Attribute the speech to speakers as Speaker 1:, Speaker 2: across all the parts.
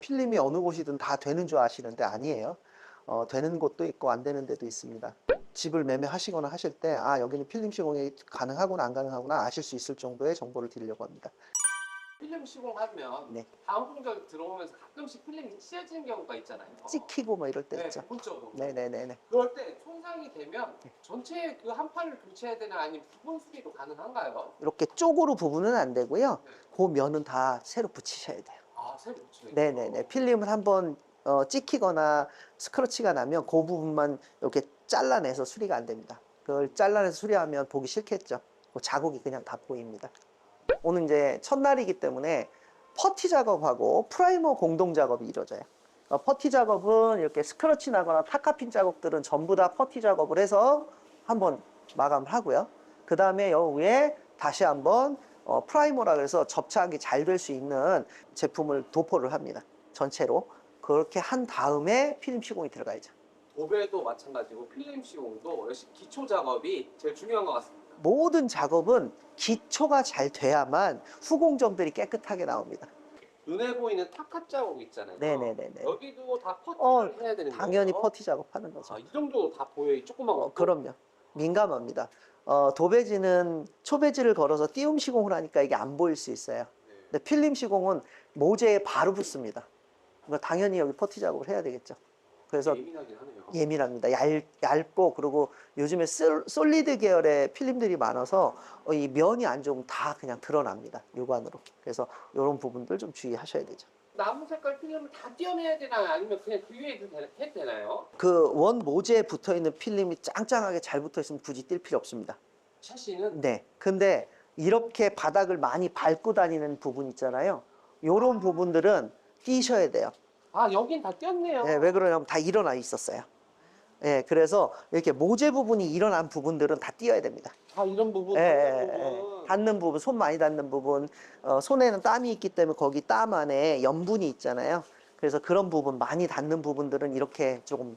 Speaker 1: 필름이 어느 곳이든 다 되는 줄 아시는데 아니에요. 되는 곳도 있고 안 되는 데도 있습니다. 집을 매매하시거나 하실 때 아, 여기는 필름 시공이 가능하구나 안 가능하구나 아실 수 있을 정도의 정보를 드리려고 합니다.
Speaker 2: 필름 시공하면
Speaker 1: 네.
Speaker 2: 다음 공작 들어오면서 가끔씩 필름이 찢어지는 경우가 있잖아요.
Speaker 1: 찍히고 뭐 이럴 때
Speaker 2: 네,
Speaker 1: 있죠.
Speaker 2: 부분적으로.
Speaker 1: 네네네네.
Speaker 2: 그럴 때 손상이 되면 전체 그 한 판을 교체해야 되나 아니면 부분 수리도 가능한가요?
Speaker 1: 이렇게 쪽으로 부분은 안 되고요.
Speaker 2: 네.
Speaker 1: 그 면은 다 새로 붙이셔야 돼요.
Speaker 2: 아, 새로 붙여야
Speaker 1: 네네네. 필름을 한번 찍히거나 스크러치가 나면 그 부분만 이렇게 잘라내서 수리가 안 됩니다. 그걸 잘라내서 수리하면 보기 싫겠죠. 그 자국이 그냥 다 보입니다. 오늘 이제 첫날이기 때문에 퍼티 작업하고 프라이머 공동 작업이 이루어져요. 퍼티 작업은 이렇게 스크러치 나거나 타카핀 자국들은 전부 다 퍼티 작업을 해서 한번 마감을 하고요. 그 다음에 여 위에 다시 한번 프라이머라 그래서 접착이 잘 될 수 있는 제품을 도포를 합니다. 전체로. 그렇게 한 다음에 필름 시공이 들어가야죠.
Speaker 2: 도배도 마찬가지고 필름 시공도 역시 기초 작업이 제일 중요한 것 같습니다.
Speaker 1: 모든 작업은 기초가 잘 돼야만 후공정들이 깨끗하게 나옵니다.
Speaker 2: 눈에 보이는 타카 자국 있잖아요.
Speaker 1: 네네네네.
Speaker 2: 여기도 다 퍼티를 해야 되는 거예요?
Speaker 1: 당연히 퍼티 작업하는 거죠.
Speaker 2: 아, 이 정도 다 보여요? 이 조그만 거?
Speaker 1: 그럼요. 민감합니다. 도배지는 초배지를 걸어서 띄움 시공을 하니까 이게 안 보일 수 있어요.
Speaker 2: 네.
Speaker 1: 근데 필름 시공은 모재에 바로 붙습니다. 그러니까 당연히 여기 퍼티 작업을 해야 되겠죠. 그래서
Speaker 2: 예민하긴 하네요.
Speaker 1: 예민합니다. 얇고 그리고 요즘에 솔리드 계열의 필름들이 많아서 이 면이 안 좋으면 다 그냥 드러납니다. 육안으로. 그래서 이런 부분들 좀 주의하셔야 되죠.
Speaker 2: 나무 색깔 필름을 다 떼어내야 되나요? 아니면 그냥 그 위에 해도 되나요?
Speaker 1: 그 원 모재에 붙어 있는 필름이 짱짱하게 잘 붙어 있으면 굳이 뛸 필요 없습니다.
Speaker 2: 샤시는?
Speaker 1: 네. 근데 이렇게 바닥을 많이 밟고 다니는 부분 있잖아요. 요런 부분들은 띄셔야 돼요.
Speaker 2: 아, 여긴 다 떼었네요.
Speaker 1: 예, 왜 그러냐면 다 일어나 있었어요. 예, 그래서 이렇게 모재 부분이 일어난 부분들은 다 띄어야 됩니다.
Speaker 2: 아, 이런 부분,
Speaker 1: 예,
Speaker 2: 닿는
Speaker 1: 예, 예.
Speaker 2: 부분.
Speaker 1: 닿는 부분, 손 많이 닿는 부분, 손에는 땀이 있기 때문에 거기 땀 안에 염분이 있잖아요. 그래서 그런 부분, 많이 닿는 부분들은 이렇게 조금,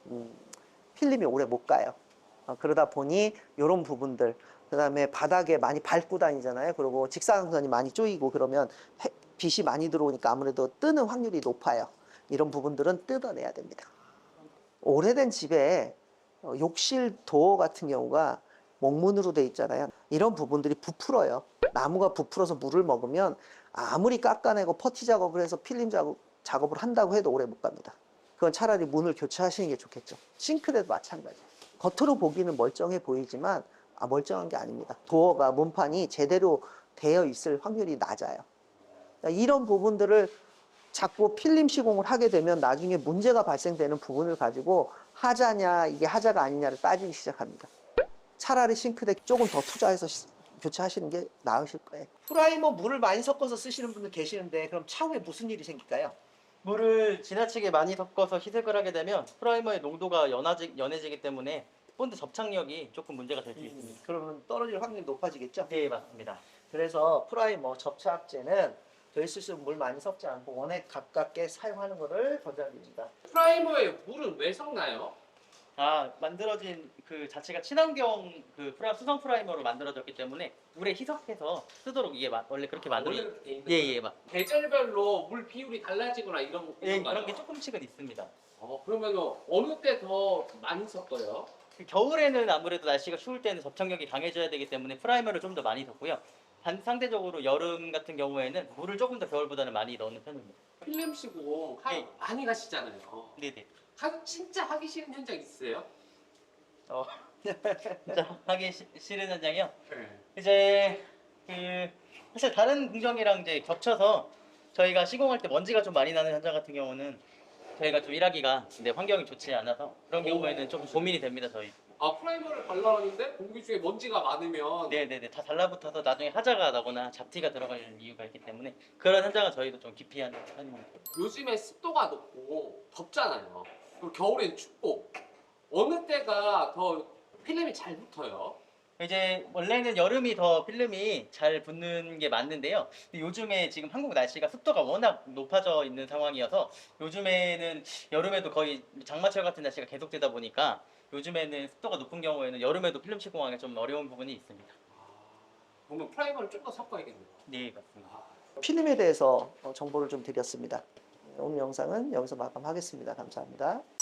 Speaker 1: 필름이 오래 못 가요. 그러다 보니 이런 부분들, 그 다음에 바닥에 많이 밟고 다니잖아요. 그리고 직사광선이 많이 쪼이고 그러면 빛이 많이 들어오니까 아무래도 뜨는 확률이 높아요. 이런 부분들은 뜯어내야 됩니다. 오래된 집에 욕실 도어 같은 경우가 목문으로 돼 있잖아요. 이런 부분들이 부풀어요. 나무가 부풀어서 물을 먹으면 아무리 깎아내고 퍼티 작업을 해서 필름 작업을 한다고 해도 오래 못 갑니다. 그건 차라리 문을 교체하시는 게 좋겠죠. 싱크대도 마찬가지예요. 겉으로 보기는 멀쩡해 보이지만 멀쩡한 게 아닙니다. 도어가 문판이 제대로 되어 있을 확률이 낮아요. 이런 부분들을 자꾸 필름 시공을 하게 되면 나중에 문제가 발생되는 부분을 가지고 하자냐 이게 하자가 아니냐를 따지기 시작합니다. 차라리 싱크대 조금 더 투자해서 교체하시는 게 나으실 거예요. 프라이머 물을 많이 섞어서 쓰시는 분들 계시는데 그럼 차후에 무슨 일이 생길까요?
Speaker 3: 물을 지나치게 많이 섞어서 희석을 하게 되면 프라이머의 농도가 연해지기 때문에 본드 접착력이 조금 문제가 될 수 있습니다.
Speaker 1: 그러면 떨어질 확률이 높아지겠죠?
Speaker 3: 네, 맞습니다.
Speaker 1: 그래서 프라이머 접착제는 될 수 있으면 물 많이 섞지 않고 원액 가깝게 사용하는 것을 권장드립니다.
Speaker 2: 프라이머에 물은 왜 섞나요?
Speaker 3: 만들어진 그 자체가 친환경 수성 프라이머로 만들어졌기 때문에 물에 희석해서 쓰도록 이게 원래 그렇게
Speaker 2: 원래
Speaker 3: 만들어진.
Speaker 2: 그렇게 돼 있는
Speaker 3: 예,
Speaker 2: 거예요?
Speaker 3: 예, 맞.
Speaker 2: 계절별로 물 비율이 달라지거나 이런
Speaker 3: 예,
Speaker 2: 건가요?
Speaker 3: 그런 게 조금씩은 있습니다.
Speaker 2: 그러면 어느 때 더 많이 섞어요?
Speaker 3: 겨울에는 아무래도 날씨가 추울 때는 접착력이 강해져야 되기 때문에 프라이머를 좀 더 많이 섞고요. 상대적으로 여름 같은 경우에는 물을 조금 더 겨울보다는 많이 넣는 편입니다.
Speaker 2: 필름 시공
Speaker 3: 예.
Speaker 2: 많이 가시잖아요.
Speaker 3: 네네.
Speaker 2: 진짜 하기 싫은 현장 있으세요?
Speaker 3: 진짜 하기 싫은 현장이요.
Speaker 2: 네.
Speaker 3: 이제 사실 다른 공정이랑 이제 겹쳐서 저희가 시공할 때 먼지가 좀 많이 나는 현장 같은 경우는 저희가 좀 일하기가 환경이 좋지 않아서 그런 경우에는 좀 고민이 됩니다, 저희.
Speaker 2: 프라이머를 발라놨는데 공기 중에 먼지가 많으면
Speaker 3: 네네네, 다 달라붙어서 나중에 하자가 나거나 잡티가 들어갈 이유가 있기 때문에 그런 현장은 저희도 좀 기피하는 편입니다.
Speaker 2: 요즘에 습도가 높고 덥잖아요. 그리고 겨울엔 춥고 어느 때가 더 필름이 잘 붙어요?
Speaker 3: 이제 원래는 여름이 더 필름이 잘 붙는 게 맞는데요. 근데 요즘에 지금 한국 날씨가 습도가 워낙 높아져 있는 상황이어서 요즘에는 여름에도 거의 장마철 같은 날씨가 계속되다 보니까 요즘에는 습도가 높은 경우에는 여름에도 필름 시공하기 좀 어려운 부분이 있습니다.
Speaker 2: 그러면 프라이머를 좀 더 섞어야겠네요.
Speaker 3: 네, 맞습니다.
Speaker 1: 필름에 대해서 정보를 좀 드렸습니다. 오늘 영상은 여기서 마감하겠습니다. 감사합니다.